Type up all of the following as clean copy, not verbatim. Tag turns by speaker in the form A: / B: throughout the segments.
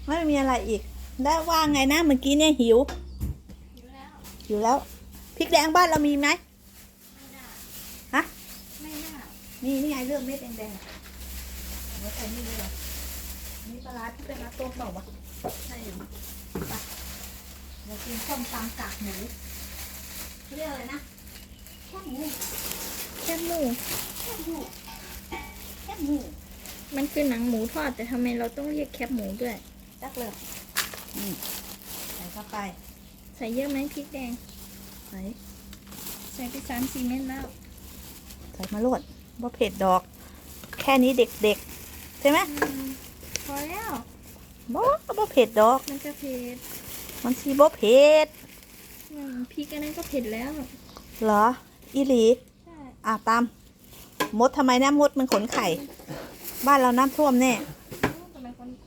A: ไม่มีอะไรอีกได้ว่าไงนะเมื่อกี้เนี่ยหิวหิวแล้วพริกแดงบ้านเรามีไหมฮะ
B: ไม่น่า
A: นี่ไงเลือกเม็ดแดงๆไม่ใส่นี่เลยเหรอนี่ปลาร้าที่เป็นปลาต้มเปล่าวะใช่อยู่ไปเรากินส้มตำกากหมูเรียกอะไรนะแคบหมู
B: แคบหมู
A: แคบหมูแคบหมู
B: มันคือหนังหมูทอดแต่ทำไมเราต้องเรียกแคบหมูด้วย
A: จักเลยใส่เข้าไป
B: ใส่เยอะไหมพริกแดง
A: ใส่
B: ใส่ไป3-4 เม็ดแล้ว
A: ใส่มาโลดบ่เผ็ดดอก แค่นี้เด็กๆใช่ไหม
B: พอแล้ว
A: บ่เผ็ดดอก
B: มันจะเผ็ด
A: มันสีบ่เผ็ด
B: พริกอันนั้นก็เผ็ดแล้ว
A: เหรออีหลี
B: ใช่
A: ตามมดทำไมนะมดมันขนไข่ บ้านเราน้ำท่วมแน่
B: ทำไมคน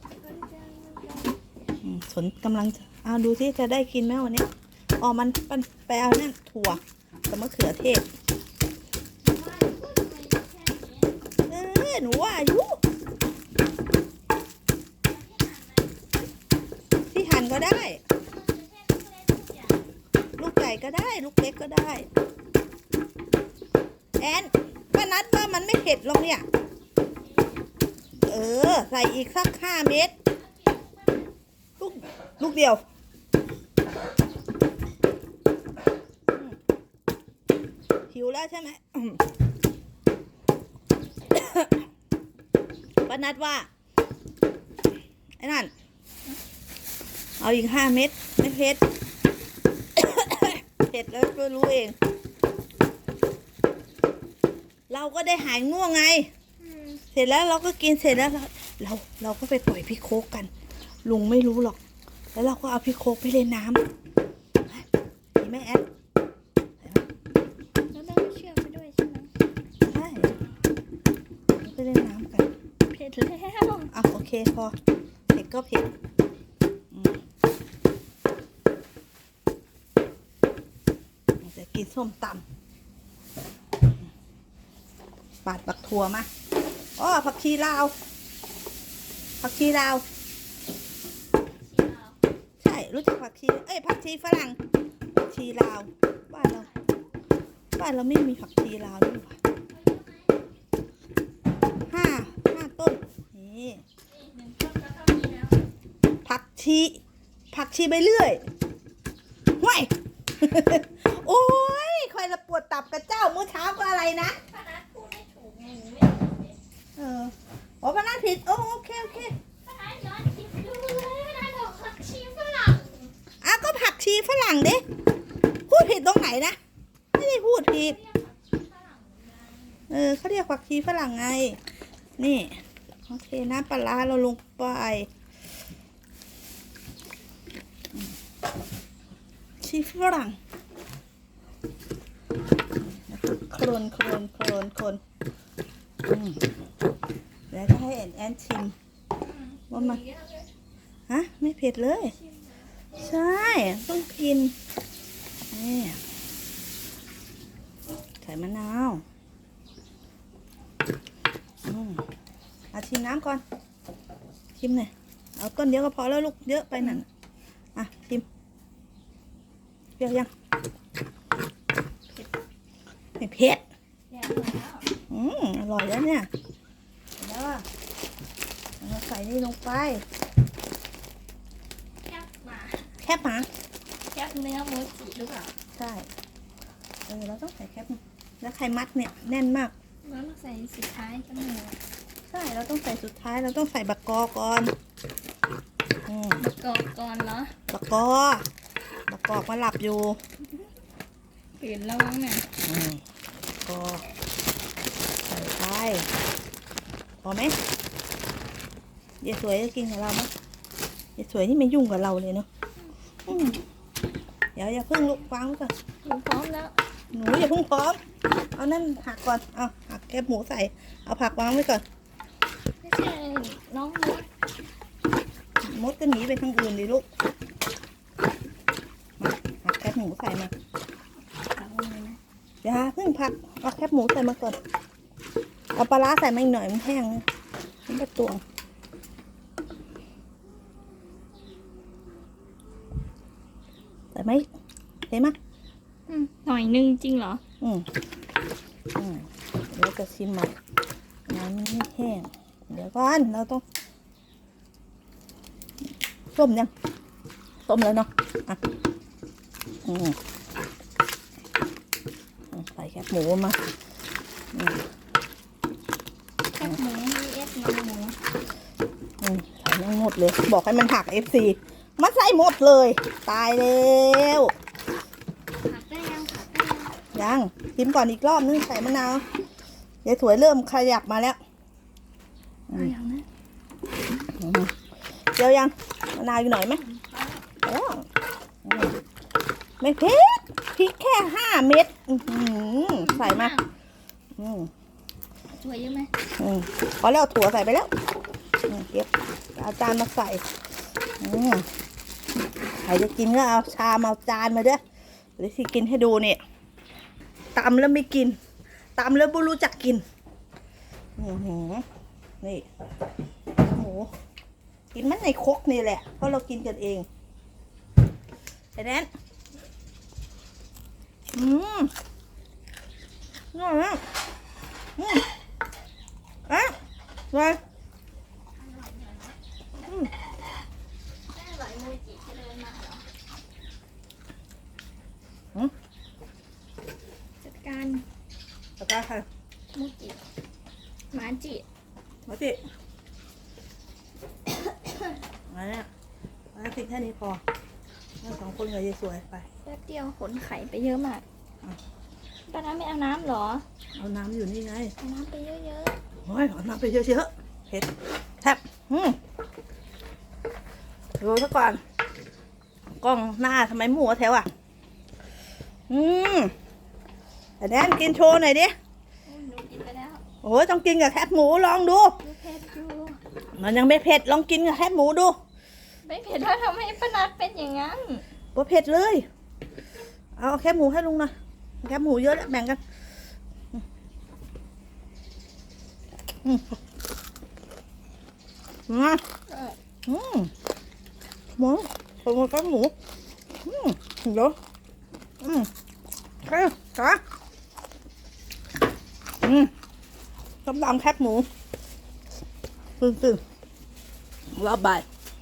A: สนกำลังจะดูที่จะได้กินไหมวันนี้มันไปเอานั่นถั่วกับมะเขือเทศหนูว่าอายุที่หั่นก็ได้ ลูกใหญ่ก็ได้ ลูกเล็กก็ได้แอนป้านัดว่ามันไม่เผ็ดหรอกเนี่ยใส่อีกสัก5 เม็ดลูกเดียวหิวแล้วใช่ไหมป้านัดว่าไอ้นั่นเอาอีก5 เม็ดไม่เผ็ด เผ็ดแล้วก็รู้เองเราก็ได้หายง่วงไงเสร็จแล้วเราก็กินเสร็จแล้วเราก็ไปปล่อยพี่โคกกันลุงไม่รู้หรอกแล้วเราก็เอาพี่โคกไปเล่นน้ำดีไหมแอด
B: แล้วต้องเชื่อมไปด้วยใช่ไหม
A: ใช่ไปเล่นน้ำกัน
B: เผ็ดแล้ว
A: โอเคพอเผ็ดก็เผ็ดจะกินส้มตำปาดบักถั่วมาผักชีลาวผักชีลาวใช่รู้จักผักชีผักชีฝรั่งผักชีลาวบ้านเราไม่มีผักชีลาวด้วยว่ะห้าต้นนี่ผักชีไปเรื่อยห่วย โอ้ยคอยละปวดตับกับเจ้าเมื่อเช้าก็อะไรนะ
B: ป้านัทพูดไม่ถูกไงหนูไม่
A: พนันผิดโอเค
B: ป้านัทย้อนคิดดูเลยป้านัทบอกผักชีฝรั่ง
A: ก็ผักชีฝรั่งดิพูดผิดตรงไหนนะไม่ได้พูดผิดเขาเรียกผักชีฝรั่งไงนี่โอเคน้ำปลาร้าเราลงไปชีฝรั่งคนแล้วก็ให้แอนชิมว่ามันไม่เผ็ดเลยใช่ต้องกินนี่ใส่มะนาวชิมน้ำก่อนชิมหน่อยเอาต้นเดียวก็พอแล้วลูกเยอะไปนั่นชิมเปรี้ยวยังไม่เผ็ดอร่อยแล้วเนี่ยแล้วเราใส่นี่ลงไปแคบหมา
B: แคบเนื้อหมูจีหรือเปล่า
A: ใช่เราต้องใส่แคบแล้วไข่มัดเนี่ยแน่นมาก
B: แล้วเราใส่สุดท้ายกันหมู
A: ใช่เราต้องใส่สุดท้ายเราต้องใส่บักกอก่อน
B: บักกอกก่อนเหรอ
A: บักกอกมาหลับอยู่
B: ตื่นแล้วมั้งเนี่ย
A: ก็ใส่ไปพอไหมยายสวยจะกินกับเราไหมยายสวยนี่ไม่ยุ่งกับเราเลยเนาะเดี๋ยวอย่าเพิ่งลุกฟังก่อน
B: หนูพร้อมแล้ว
A: หนูอย่าเพิ่งพร้อมเอานั่นหักก่อนหักแคบหมูใส่เอาผักวางไว้ก่อน
B: ไม่ใช่น้อง
A: มดก็หนีไปทางอื่นดิลูกมาหักแคบหมูใส่มาเดี๋ยวเพิ่งผักเอาแคบหมูใส่มาก่อนเอาปลาร้าใส่มาอีกหน่อยมันแห้งนะมันจะตวง
C: ส่ไหมเห็นไหม
B: หน่อยนึงจริงเหรอ
C: อืมเดี๋ยวจะชิมใหม่น้ำมันไม่แห้งเดี๋ยวก่อนเราต้องต้มยังต้มแล้วเนาะอ่ะใส่แคบหมูมา
B: แคบหมู vs นมหมู
C: ใส่ทั้งหมดเลย บอกให้มันหัก FC มันใส่หมดเลย ตายแล้ว
B: ผักได้ยังผักได้ยัง
C: ยังชิมก่อนอีกรอบนึงใส่มะนาวยายสวยเริ่มขยับมาแล้ว
B: เอาอย่างนั้น
C: เดี๋ยวยังมะนาวอยู่หน่อยไหมแล้วไม่เผ็ดพริกแค่5 เม็ดใส่มา
B: ถั่วเยอะไหม
C: พอแล้วถั่วใส่ไปแล้วเก็บเอาจานมาใส่ใครจะกินก็เอาชามเอาจานมาด้วยเดี๋ยวสิกินให้ดูเนี่ยตำแล้วไม่กินตำแล้วไม่รู้จักกินนี่หมูกินมันในครกนี่แหละเพราะเรากินกันเองไอ้แนนอร่อยมากไง
B: ได้อร่อยมูจิจะเดินมาเหรอจัดการ
C: ตะกร้าใคร
B: มูจิหมาจิ
C: มาสิมาเนี่ยมาสิแค่นี้พอเรา2 คนกับยายสวยไป
B: แป๊บเดียวขนไข่ไปเยอะมากป้าน้ำไม่เอาน้ำเหรอ
C: เอาน้ำอยู่นี่ไง
B: เอาน้ำไปเยอะ
C: โอ้ยเอาน้ำไปเยอะๆเผ็ดแทบดูซะก่อนกล้องหน้าทำไมหมูแถวอ่ะแต่แนนกินโชว์หน่อยดิ
B: ๆหนูกินไปแล้ว
C: โอ้ยต้องกินกับแคบหมูลองดู
B: ดูเผ็ดอยู่
C: มันยังไม่เผ็ดลองกินกับแคบหมูดู
B: ไม่เผ็ดแล้วทำให้ป้านัดเป็นอย่างนั้น
C: บ่เผ็ดเลยเอาแคบหมูให้ลุงหน่อยแคบหมูเยอะแล้วแบ่งกันหมูผมมาแคบหมูเดี๋ยวจ้าต้มยำแคบหมูตื่นรอบบ่าย